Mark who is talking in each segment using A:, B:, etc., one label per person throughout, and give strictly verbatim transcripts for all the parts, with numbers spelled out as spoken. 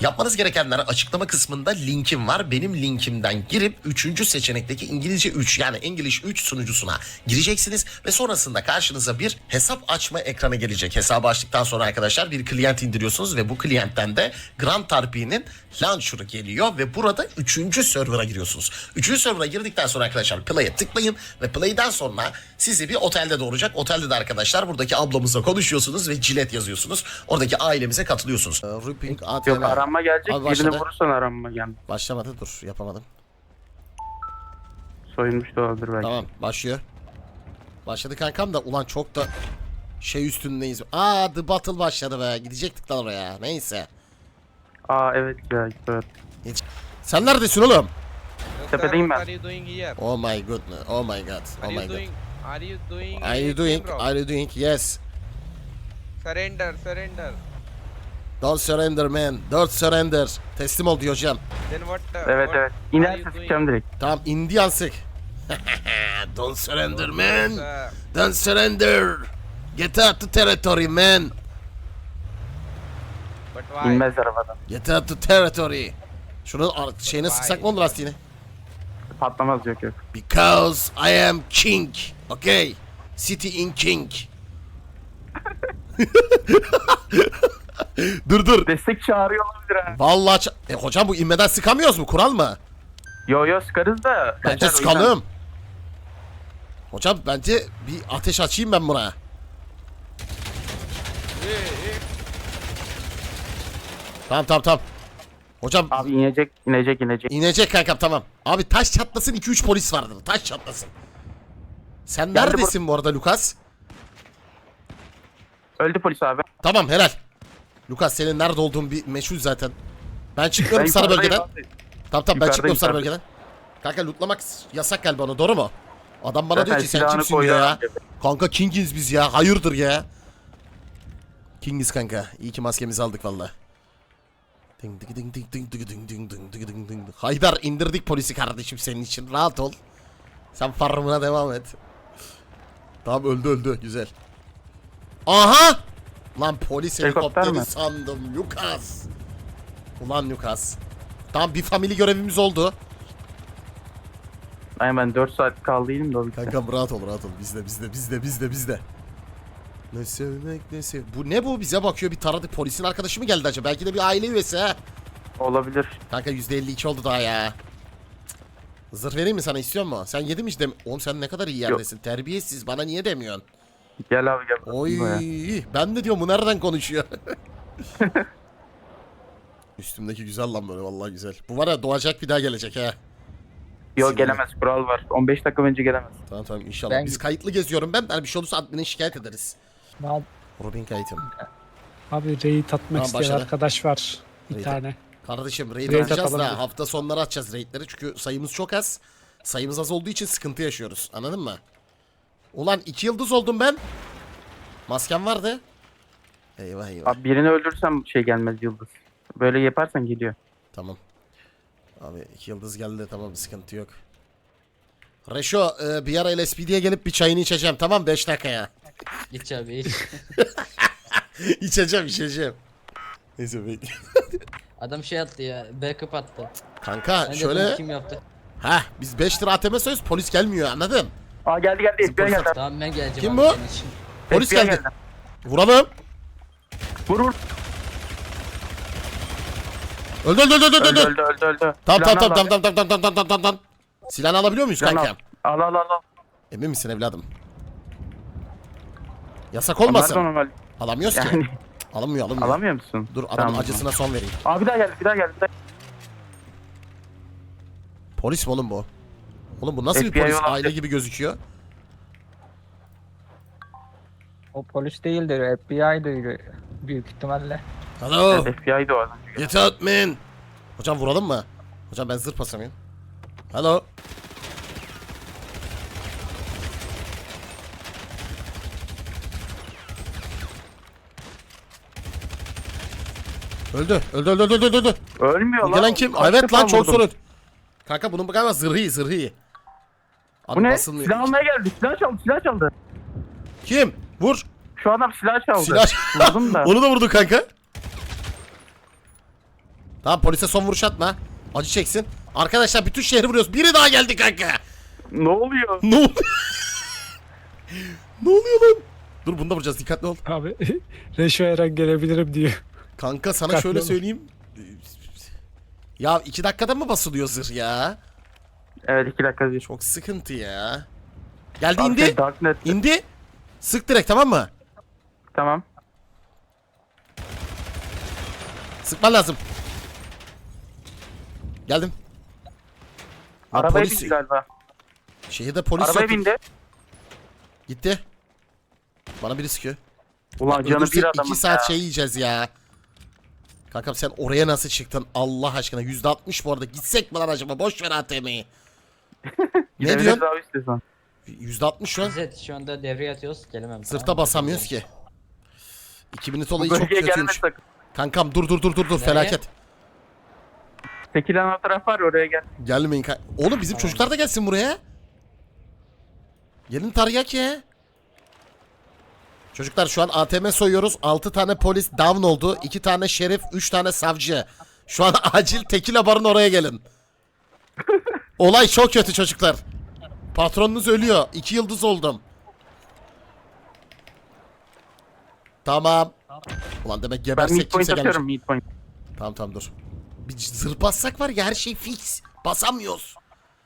A: Yapmanız gerekenler açıklama kısmında linkim var. Benim linkimden girip üçüncü seçenekteki İngilizce üç yani English üç sunucusuna gireceksiniz ve sonrasında karşınıza bir hesap açma ekranı gelecek. Hesabı açtıktan sonra arkadaşlar bir klient indiriyorsunuz ve bu kliyentten de Grand R P'nin launcher'ı geliyor ve burada üçüncü server'a giriyorsunuz. üçüncü server'a girdikten sonra arkadaşlar play'e tıklayın ve play'den sonra sizi bir otelde doğuracak. Otelde de arkadaşlar buradaki ablamızla konuşuyorsunuz ve cilet yazıyorsunuz. Oradaki ailemize katılıyorsunuz. Ripping A T M.
B: Yok aranma gelecek.
A: Abi
B: Birini
A: başladı.
B: vurursan aranma gel.
A: Başlamadı, dur yapamadım.
B: Soyulmuş da olabilir belki.
A: Tamam, başlıyor. Başladı kankam da ulan çok da şey üstündeyiz. Aa, The Battle başladı be. Gidecektik lan oraya. Neyse.
B: Aa evet ya. Evet.
A: Hiç... Sen neredesin oğlum?
B: Tepedeyim ben.
C: What are you doing here?
A: Oh my god. Oh my god.
C: Are
A: Oh
C: you
A: my god.
C: doing? Are you doing?
A: Are you doing?
C: anything wrong?
A: Are you doing? Yes.
C: Surrender, surrender.
A: Don't surrender man. Don't surrender. Teslim ol diyor hocam.
C: Then what? Uh,
B: Evet
C: what
B: evet.
C: are
B: İnerse
C: you
B: sıkacağım
C: doing?
B: direkt.
A: Tamam, Indian sık. Don't surrender man.
C: Uh,
A: Don't surrender. Get out the territory man.
C: but why?
B: İnmez arabadan.
A: Get out the territory. Şunu ar- şeyine sıksak mı olur lastiğine?
B: Patlamaz yok yok.
A: Because I am king. Okay. City in king. dur dur.
B: Destek çağırıyor olabilir ha.
A: Vallahi ça- e, hocam bu inmeden sıkamıyoruz mu? Kural mı?
B: Yo yo sıkarız da.
A: Bence
B: kaçar o yüzden.
A: sıkalım. Hocam bence bir ateş açayım ben buna.
C: Hey, hey.
A: Tamam tamam tamam. Hocam
B: Abi inecek inecek inecek.
A: inecek kankam, tamam. Abi taş çatlasın, iki üç polis vardır. Taş çatlasın. Sen
B: Geldi
A: neredesin bu arada Lucas?
B: Öldü polis abi.
A: Tamam, helal. Lucas, senin nerede olduğun bir meşhur zaten. Ben çıkıyorum
B: Ben
A: sarı
B: yukarıdayım
A: bölgeden.
B: abi.
A: Tamam tamam, ben
B: Yukarıda,
A: çıkıyorum sarı
B: yukarıda.
A: bölgeden. Kanka lootlamak yasak galiba onu, doğru mu? Adam bana
B: Zaten
A: diyor ki sen
B: silahını
A: kimsin
B: koydu
A: diyor ya.
B: abi.
A: Kanka Kingiz biz ya, hayırdır ya. Kingiz kanka, iyi ki maskemizi aldık valla. Ding ding ding ding ding ding ding ding ding ding ding ding. Haydar, indirdik polisi kardeşim senin için, rahat ol. Sen farmına devam et. Tamam, öldü öldü, güzel. Aha! Lan polis
B: Helikopter
A: helikopteri
B: mi?
A: sandım Lucas. Ulan Lucas. Tamam, bir family görevimiz oldu.
B: Aynen ben dört saat kaldıydım da o bitti.
A: Kankam rahat ol rahat ol. Bizde bizde bizde bizde bizde. Ne sevmek ne sev... Bu ne bu? Bize bakıyor, bir taradık. Polisin arkadaşı mı geldi acaba? Belki de bir aile üyesi ha.
B: Olabilir.
A: Kanka yüzde elli iki oldu daha ya. Cık. Zırh vereyim mi sana, istiyor musun? Sen yedin mi işte? Oğlum sen ne kadar iyi yerdesin. Terbiyesiz, bana niye demiyorsun?
B: Gel abi gel.
A: Oy,
B: Buraya.
A: ben de diyorum bu nereden konuşuyor? Üstümdeki güzel lan böyle, vallahi güzel. Bu var ya, doğacak bir daha gelecek ha.
B: Yo gelemez, kural var. on beş dakika önce gelemez.
A: Tamam tamam, inşallah.
D: Ben-
A: Biz kayıtlı geziyorum ben. Yani bir şey olursa admine şikayet ederiz.
D: Abi,
A: Robin kayıtım.
D: abi raid atmak
A: Tamam,
D: isteyen
A: başladı.
D: arkadaş var. Bir
A: Raid.
D: tane.
A: Kardeşim raid
D: Raid
A: atacağız
D: atalım
A: da
D: hadi.
A: hafta sonları atacağız raidleri. Çünkü sayımız çok az. Sayımız az olduğu için sıkıntı yaşıyoruz. Anladın mı? Ulan iki yıldız oldum ben. Maskem vardı. Eyvah eyvah.
B: Abi birini öldürsem şey gelmez yıldız. Böyle yaparsan geliyor.
A: Tamam. Abi iki yıldız geldi, tamam, sıkıntı yok. Reşo, e, bir ara L S P D'ye gelip bir çayını içeceğim, tamam, beş dakikaya.
E: İç abi iç.
A: İçeceğim içeceğim. Neyse bekle.
E: Adam şey attı ya. Backup attı.
A: Kanka
E: Ben de
A: şöyle.
E: bunu kim yaptı?
A: Heh, biz beş lira A T M söz, polis gelmiyor, anladın?
B: Aa geldi geldi. F B I geldi.
E: Tamam ben geleceğim
A: Kim
E: abi
A: bu?
E: senin için.
A: Polis
B: F B I
A: geldi. Vuralım.
B: Vur vur.
A: Öldü öldü öldü öldü.
B: Öldü
A: öldü.
B: öldü öldü öldü.
A: Tamam tamam
B: Silahını
A: tamam
B: al
A: tamam
B: abi.
A: tamam tamam tamam tamam tamam tamam. Silahını alabiliyor muyuz
B: Silahını
A: kankam?
B: Al al al al.
A: Emin misin evladım? Yasak
B: Nerede
A: olmasın.
B: normal?
A: Alamıyoruz ki.
B: Yani
A: Alınmıyor alınmıyor.
B: alamıyor musun?
A: Dur adamın
B: Tamam.
A: acısına son vereyim.
B: Aa bir daha geldi bir daha geldi. Bir daha.
A: Polis mi oğlum bu? Oğlum bu nasıl bir
B: F B I
A: polis?
B: olan-
A: Aile gibi gözüküyor.
D: O polis değildir. F B I'dir büyük ihtimalle.
A: Hello.
B: Evet, F B I'di o adam.
A: Get out man. Hocam vuralım mı? Hocam ben zırh basamıyorum. Hello. Öldü. Öldü öldü öldü öldü öldü.
B: Ölmüyor
A: Bu
B: lan.
A: gelen kim?
B: Kaç
A: Evet
B: defa
A: lan, çok
B: vurdum.
A: sorun. Kanka bunun galiba zırhı iyi, zırhı iyi. Abi
B: Bu ne?
A: basılmıyor.
B: Silah almaya geldi. Silah çaldı. Silah çaldı.
A: Kim? Vur.
B: Şu adam silah çaldı.
A: Silah.
B: Vurdum da.
A: Onu da vurdu kanka. Tamam polise son vuruş atma. Acı çeksin. Arkadaşlar bütün şehri vuruyoruz. Biri daha geldi kanka.
B: Ne oluyor?
A: Ne oluyor? Ne oluyor lan? Dur bunu da vuracağız dikkatli ol.
F: Abi Reşo Eren gelebilirim diyor.
A: Kanka sana
F: Dikkatli
A: şöyle
F: ol.
A: söyleyeyim. Ya iki dakikada mı basılıyor zırh ya?
B: Evet iki dakika bir.
A: Çok sıkıntı ya. Geldi
B: Abi
A: indi.
B: şey, Darknet.
A: İndi. Sık direkt tamam mı?
B: Tamam.
A: Sıkman lazım. Geldim. Lan
B: Arabaya
A: polis-
B: bindi galiba.
A: Şehirde polis
B: Arabaya
A: yok.
B: bindi.
A: Gitti. Bana biri sıkıyor.
B: Ulan canı
A: Öldürsek
B: bir adamın
A: iki saat
B: ya.
A: şey yiyeceğiz ya. Kankam sen oraya nasıl çıktın Allah aşkına? yüzde altmış bu arada. Gitsek mi lan acaba? Boş ver A T M'yi. Ne
B: Gidebiliriz
A: diyorsun?
B: abi istiyorsan.
A: yüzde altmış şu an.
E: İzzet şu anda devreye atıyoruz. Gelemem.
A: Zırhta
E: Tamam mı?
A: basamıyoruz ki. iki binit
B: Bu
A: olayı çok
B: bölgeye gelme
A: kötüymüş.
B: sakın.
A: Kankam dur dur dur dur dur
E: Nereye?
A: felaket.
B: Sekilen o taraf var oraya gel.
A: Gelmeyin kan- Oğlum bizim
E: Tamam.
A: çocuklar da gelsin buraya. Gelin taryak ya. Çocuklar şu an A T M soyuyoruz. altı tane polis down oldu. iki tane şerif, üç tane savcı. Şu an acil tekila barın oraya gelin. Olay çok kötü çocuklar. Patronunuz ölüyor. iki yıldız oldum. Tamam. Ulan demek
B: Ben
A: gebersek
B: mid point
A: kimse gelmeyecek.
B: atıyorum mid point.
A: Tamam tamam dur. Bir zırh bassak var ya her şey fix. Basamıyoruz.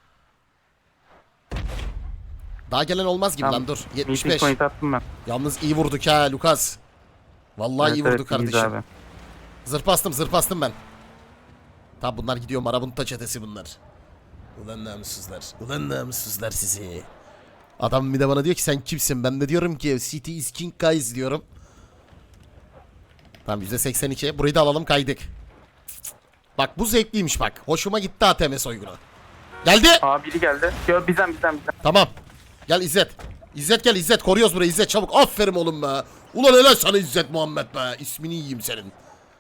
A: Daha gelen olmaz gibi
B: Tamam.
A: lan dur.
B: Mid
A: yetmiş beş.
B: point attım ben.
A: Yalnız iyi vurduk ha Lucas. Vallahi iyi
B: Evet,
A: vurduk
B: evet, iyiyiz
A: kardeşim.
B: abi.
A: Zırh bastım zırh bastım ben. Tamam bunlar gidiyor marabunta çetesi bunlar. Ulan namussuzlar. Ulan namussuzlar sizi. Adam bir de bana diyor ki sen kimsin? Ben de diyorum ki City is King guys diyorum. Tamam yüzde seksen iki. Burayı da alalım kaydık. Bak bu zevkliymiş bak. Hoşuma gitti A T M soygunu. Geldi.
B: Aa biri geldi. Yo bizden bizden bizden.
A: Tamam. Gel İzzet. İzzet gel İzzet. Koruyoruz burayı İzzet çabuk. Aferin oğlum be. Ulan helal sana İzzet Muhammed be. İsmini yiyeyim senin.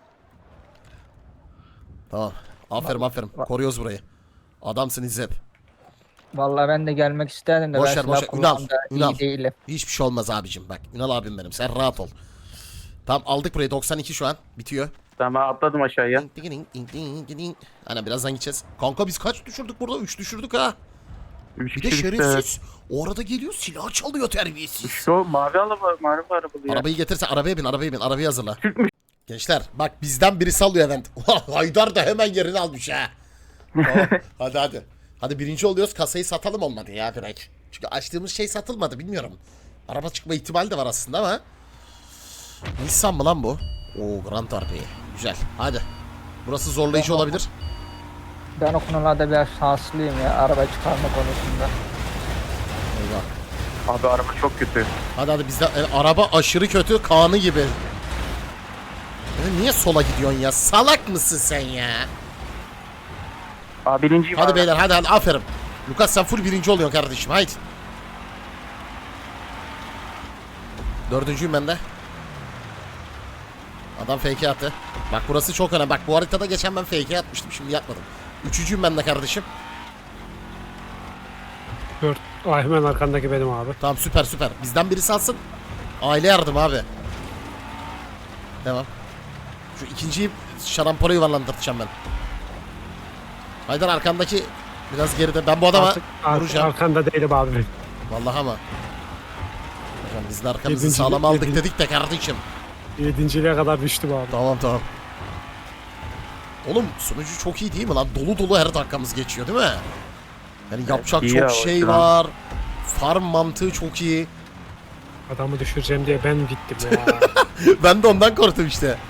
A: Tamam. Aferin aferin. Koruyoruz burayı. Adamsın İzzet.
D: Vallahi ben de gelmek isterdim de
A: Boş
D: ben
A: ver, boş
D: silah
A: ver. Ünal,
D: kullanmada
A: Ünal.
D: iyi değilim.
A: Hiçbir şey olmaz abicim bak. Ünal abim benim. Sen rahat ol. Tamam aldık burayı. doksan iki şu an. Bitiyor.
B: Tamam atladım aşağıya.
A: Ana birazdan gideceğiz. Kanka biz kaç düşürdük burada? üç düşürdük ha.
B: Üç
A: Bir de
B: kişi bitti.
A: şerefsiz. O arada geliyor silah çalıyor terbiyesiz.
B: Şu mavi araba mavi arabalı ya.
A: Arabayı getirse arabaya bin arabaya bin arabayı hazırla.
B: Türkmüş.
A: Gençler bak bizden biri sallıyor event. Haydar da hemen yerini almış ha. Tamam, hadi hadi. Hadi birinci oluyoruz kasayı satalım olmadı ya direkt. Çünkü açtığımız şey satılmadı bilmiyorum. Araba çıkma ihtimali de var aslında ama. Nissan mı lan bu? Oo Grand R P. Güzel hadi. Burası zorlayıcı olabilir.
D: Ben o konularda biraz şanslıyım ya araba çıkarma konusunda.
A: Eyvah.
B: Abi araba çok kötü.
A: Hadi hadi bizde e, araba aşırı kötü kanı gibi. E, niye sola gidiyorsun ya? Salak mısın sen ya?
B: Aa birinciyim
A: Hadi
B: abi.
A: beyler hadi hadi aferin. Lucas sen full birinci oluyorsun kardeşim haydi. Dördüncüyüm ben de. Adam fake attı. Bak burası çok önemli. Bak bu haritada geçen ben fake atmıştım. Şimdi yapmadım. Üçüncüyüm ben de kardeşim.
F: Dört. Ay hemen arkandaki benim abi.
A: Tamam süper süper. Bizden birisi alsın. Aile yardım abi. Devam. Şu ikinciyi şarampora yuvarlandıracağım ben. Haydar arkandaki biraz geride. Ben bu adama
F: Artık, artık
A: vuracağım.
F: arkanda değilim abi.
A: Vallahi ama. Hocam biz de arkamızı
F: Yedinci-
A: sağlam aldık
F: yedinci-
A: dedik de kardeşim.
F: Yedinciliğe kadar düştüm abi.
A: Tamam tamam. Oğlum sunucu çok iyi değil mi lan? Dolu dolu her dakikamız geçiyor değil mi? Yani yapacak
B: iyi
A: çok
B: ya,
A: şey
B: o yüzden.
A: var. Farm mantığı çok iyi.
F: Adamı düşüreceğim diye ben gittim ya.
A: Ben de ondan korktum işte.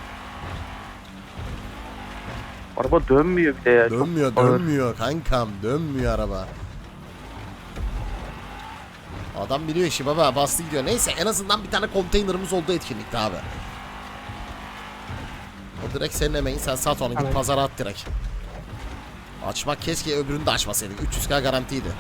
B: Araba dönmüyor bir de ya. Çok
A: Dönmüyor
B: ağır.
A: dönmüyor kankam dönmüyor araba. Adam biliyor işi baba bastı gidiyor. Neyse en azından bir tane konteynerımız oldu etkinlikte abi. O direkt senin emeğin sen sat onu git
F: Aynen.
A: pazara at direkt. Açmak keşke öbürünü de açmasaydık. üç yüz K garantiydi.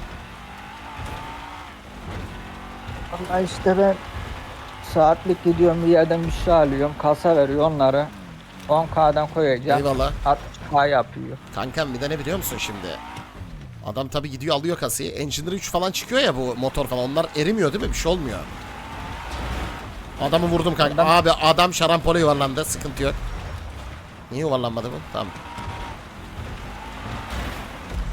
D: Vallahi işte ben saatlik gidiyorum bir yerden bir şey alıyorum kasa veriyor onları on K'dan koyacağım
A: Eyvallah.
D: altmış K yapıyor.
A: Kankam bir de ne biliyor musun şimdi? Adam tabi gidiyor alıyor kasayı. Engineer üç falan çıkıyor ya bu motor falan. Onlar erimiyor değil mi? Bir şey olmuyor. Adamı vurdum kanka.
D: Adam-
A: Abi adam şarampole yuvarlandı. Sıkıntı yok. Niye yuvarlanmadı bu? Tamam.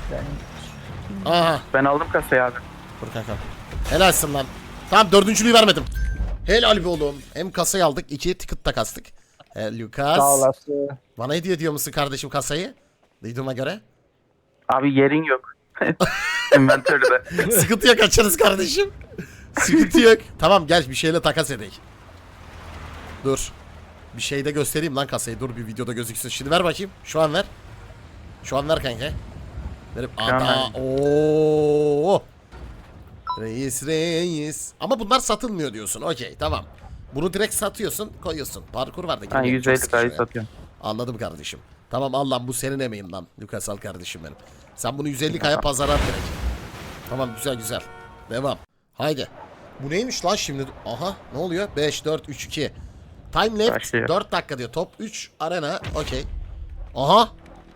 D: Ben
A: Aha.
B: Ben aldım kasayı abi.
A: Dur kankam. Helalsin lan. Tamam dördüncülüğü vermedim. Helal be oğlum. Hem kasayı aldık. iki ticket da kastık. He, Lucas.
D: sağ olasın.
A: Bana hediye ediyor musun kardeşim kasayı? Duyduğuma göre.
B: Abi yerin yok. Inventörde.
A: Sıkıntı yok, açarız kardeşim. Sıkıntı yok. Tamam gel bir şeyle takas edelim. Dur. Bir şey de göstereyim lan kasayı. Dur bir videoda gözüksün. Şimdi ver bakayım. Şu an ver. Şu an ver kanka. Verip
B: an
A: ada. Oo. Reis reis. Ama bunlar satılmıyor diyorsun. Okey tamam. Bunu direkt satıyorsun, koyuyorsun. Parkur var da.
B: Ben
A: girmek
B: yüz
A: çok
B: elli
A: sıkışıyor
B: kayı
A: ya.
B: satıyorum.
A: Anladım kardeşim. Tamam al lan bu senin emeğin lan. Lucas al kardeşim benim. Sen bunu yüz elli kaya pazara at direkt. Tamam güzel güzel. Devam. Haydi. Bu neymiş lan şimdi? Aha ne oluyor? beş, dört, üç, iki. Time left
B: Başlıyor.
A: dört dakika diyor. Top üç arena. Okey. Aha.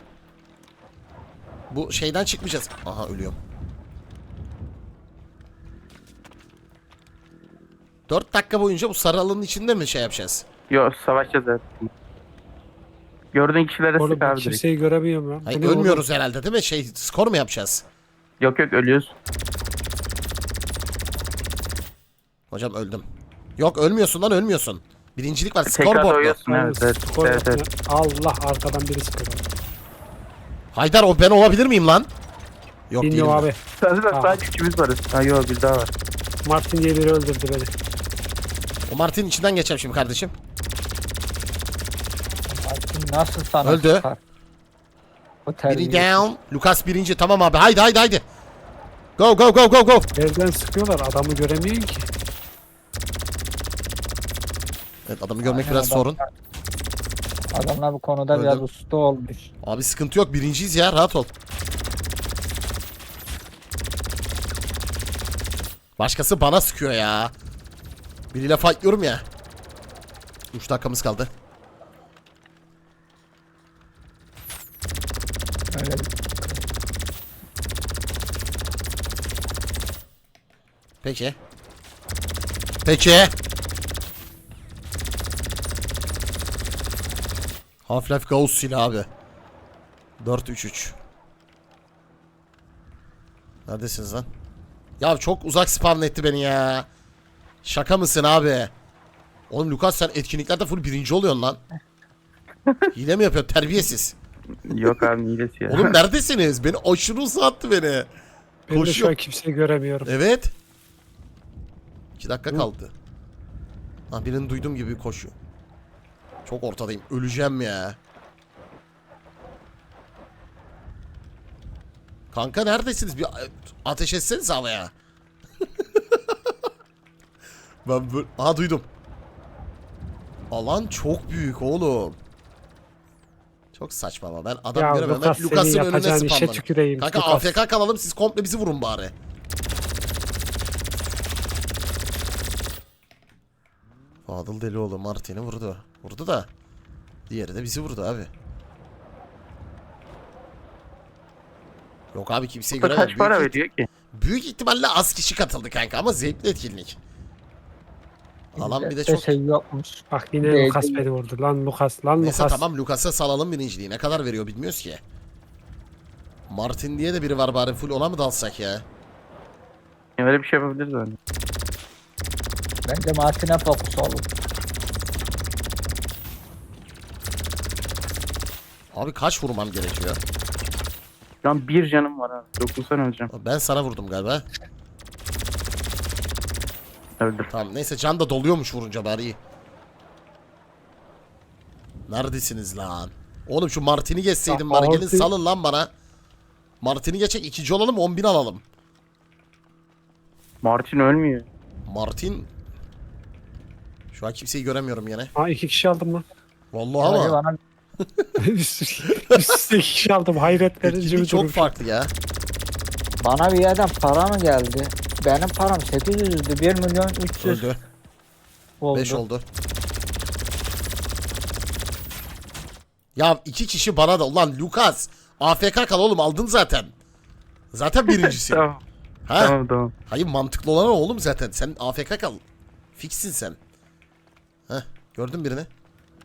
A: Bu şeyden çıkmayacağız. Aha ölüyorum. dört dakika boyunca bu sarı alanın içinde mi şey yapacağız?
B: Yo savaşacağız evet. Gördüğün kişilere
F: Oğlum
B: sık
F: ben
B: abi direkt.
F: kimseyi göremiyorum ya.
A: Hayır
F: Bu ne oğlum?
A: ölmüyoruz herhalde değil mi? Şey skor mu yapacağız?
B: Yok yok ölüyoruz.
A: Hocam öldüm. Yok ölmüyorsun lan ölmüyorsun. Birincilik var.
B: Tekrar
A: Scoreboard mu?
B: doyuyorsun evet. Evet,
F: Skor
B: evet,
F: yapma.
B: evet.
F: Allah arkadan biri sıkıyor.
A: Haydar o ben olabilir miyim lan? Yok değilim.
F: Bilmiyorum
A: ben.
F: abi.
B: Sadece,
F: Aa.
B: sadece üçümüz varız. Ha yok bir daha var.
F: Martin diye biri öldürdü beni.
A: O Martin içinden geçeceğim şimdi kardeşim.
D: Martin nasıl sana
A: Öldü.
D: çıkar? O
A: Biri
D: terbiyesiz.
A: down. Lucas birinci. Tamam abi. Haydi haydi haydi. Go go go go go.
F: Nereden sıkıyorlar? Adamı göremiyorsun ki.
A: Evet adamı görmek
D: Aynen,
A: biraz
D: adam-
A: sorun.
D: Adamlar bu konuda
A: Öldü.
D: biraz usta olmuş.
A: Abi sıkıntı yok. Birinciyiz ya. Rahat ol. Başkası bana sıkıyor ya. Biriyle fightlıyorum ya. üç dakikamız kaldı.
D: Öyle
A: Peki. Peki. Half-Life Ghost silahı abi. dört üç üç. Neredesiniz lan? Ya çok uzak spam etti beni ya. Şaka mısın abi? Oğlum Lucas sen etkinliklerde full birinci oluyorsun lan. Hile mi yapıyorsun? Terbiyesiz.
B: Yok abi hilesi ya.
A: Oğlum neredesiniz? Beni aşırı uzattı beni.
F: Ben de şu
A: Koşuyor.
F: an kimseyi göremiyorum.
A: Evet. iki dakika kaldı. Ha birini duyduğum gibi koşuyor. Çok ortadayım. Öleceğim ya. Kanka neredesiniz? Bir ateş etseniz havaya. Ben böyle... Aha duydum. Alan çok büyük oğlum. Çok saçma ama ben adam
F: Ya
A: göremem.
F: Lucas
A: Ben
F: senin
A: Lucas'ın önüne
F: yapacağın işe
A: spamladım.
F: tüküreyim.
A: Kanka
F: Lucas.
A: A F K kalalım siz komple bizi vurun bari. Fadıl Delioğlu Martin'i vurdu. Vurdu da. Diğeri de bizi vurdu abi. Yok abi kimseyi
B: Bu da
A: göremem.
B: kaç para
A: Büyük,
B: veriyor ki?
A: büyük ihtimalle az kişi katıldı kanka ama zevkli etkinlik. Alan bir de
D: Bizde
A: çok...
D: şey yokmuş.
F: Bak yine
D: Değil,
F: Lucas
D: değil.
F: beni vurdu. Lan Lucas, lan
A: Neyse
F: Lucas.
A: tamam Lucas'a salalım birinciliği. Ne kadar veriyor bilmiyoruz ki. Martin diye de biri var bari full ona mı dalsak ya?
B: Öyle bir şey yapabiliriz öyle.
D: Bence Martin'e fokus olun.
A: Abi kaç vurmam gerekiyor?
B: Şu an bir canım var abi. Dokunsan öleceğim.
A: Ben sana vurdum galiba.
B: Öldüm.
A: Tamam neyse can da doluyormuş vurunca bari iyi. Neredesiniz lan? Oğlum şu Martin'i geçseydim
F: Ya,
A: bari gelin
F: Martin-
A: salın lan bana. Martin'i geçecek ikinci olalım on bin alalım.
B: Martin ölmüyor.
A: Martin... Şu an kimseyi göremiyorum yine.
F: Ha iki kişi aldım lan.
A: Vallahi
D: Hadi
A: ama
D: bana
F: Üst üste iki kişi aldım. Hayret verici
A: etkinlik
F: bir
A: çok
F: durum.
A: farklı ya.
D: Bana bir yerden para mı geldi? Benim param sekiz yüzdü. bir milyon üç yüz
A: Öldü.
D: oldu.
A: beş oldu. Ya iki kişi bana da ulan Lucas A F K kal oğlum aldın zaten. Zaten birincisin.
B: Tamam.
A: Ha?
B: Tamam tamam.
A: Hayır mantıklı olan o oğlum zaten. Sen A F K kal. Fixsin sen. Heh gördün birini.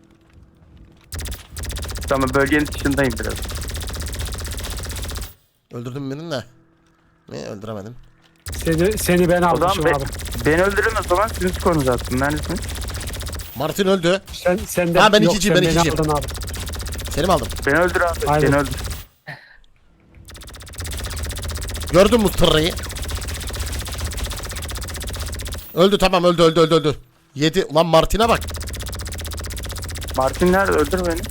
B: Tamam bölgenin dışındayım biraz.
A: Öldürdüm birini de. Ne öldüremedim.
F: Seni, seni ben
B: O zaman
F: almışım
B: be,
F: abi.
B: beni öldürün o zaman sizin skorunuzu attım. Neredesin?
A: Martin öldü.
F: Sen, sen de,
A: Ha, ben
F: yok,
A: ikinciyim,
F: sen
A: ben
F: beni
A: ikinciyim.
F: aldın abi.
A: Seni mi aldım?
B: Beni öldür abi.
F: Aynen.
B: Beni öldür.
A: Gördün mü tırrayı? Öldü tamam öldü öldü öldü öldü. Yedi. Ulan Martin'e bak.
B: Martin nerede? Öldür beni.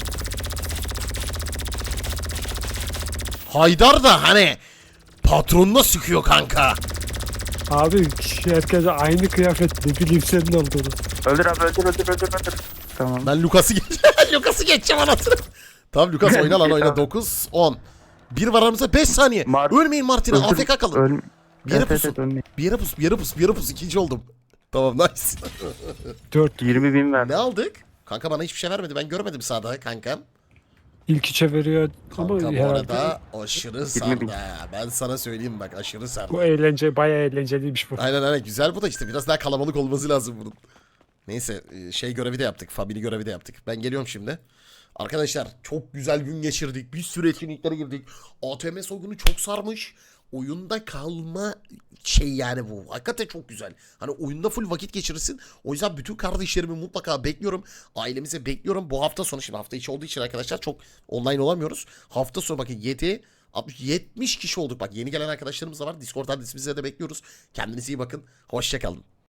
A: Haydar da hani patronuna sıkıyor kanka.
F: Abi herkese aynı kıyafet ne bileyim senin olduğunu.
B: Öldür abi öldür öldür öldür öldür. Tamam.
A: Ben Lucas'ı geç Lucas'ı geçeceğim anasını. Tamam Lucas oyna lan oyna. dokuz on. Bir var aramızda beş saniye.
B: Mar-
A: Ölmeyin Martin'e.
B: Öldür-
A: A F K kalın.
B: Öl...
A: Bir yere
B: Evet, evet,
A: pusun.
B: evet, ölmeyin.
A: Bir yere pus, bir yere pus, bir yere pus. İkinci oldum. Tamam nice.
F: Dört.
B: yirmi bin ver.
A: Ne aldık? Kanka bana hiçbir şey vermedi. Ben görmedim sağda kankam.
F: İlk üçe veriyor ama
A: Kanka bu
F: herhalde
A: arada aşırı
B: bin.
A: sardı ha. Ben sana söyleyeyim bak aşırı sardı.
F: bu eğlence bayağı eğlenceliymiş bu.
A: Aynen aynen güzel bu da işte biraz daha kalabalık olması lazım bunun. Neyse şey görevi de yaptık. Family görevi de yaptık. Ben geliyorum şimdi. Arkadaşlar çok güzel gün geçirdik. Bir sürü etkinliklere girdik. A T M soygunu çok sarmış. Oyunda kalma şey yani bu. Hakikaten çok güzel. Hani oyunda full vakit geçirirsin. O yüzden bütün kardeşlerimi mutlaka bekliyorum. Ailemize bekliyorum. Bu hafta sonu şimdi hafta içi olduğu için arkadaşlar çok online olamıyoruz. Hafta sonu bakın yedi altmış yetmiş kişi olduk. Bak yeni gelen arkadaşlarımız da var. Discord adresimize de bekliyoruz. Kendinize iyi bakın. Hoşça kalın.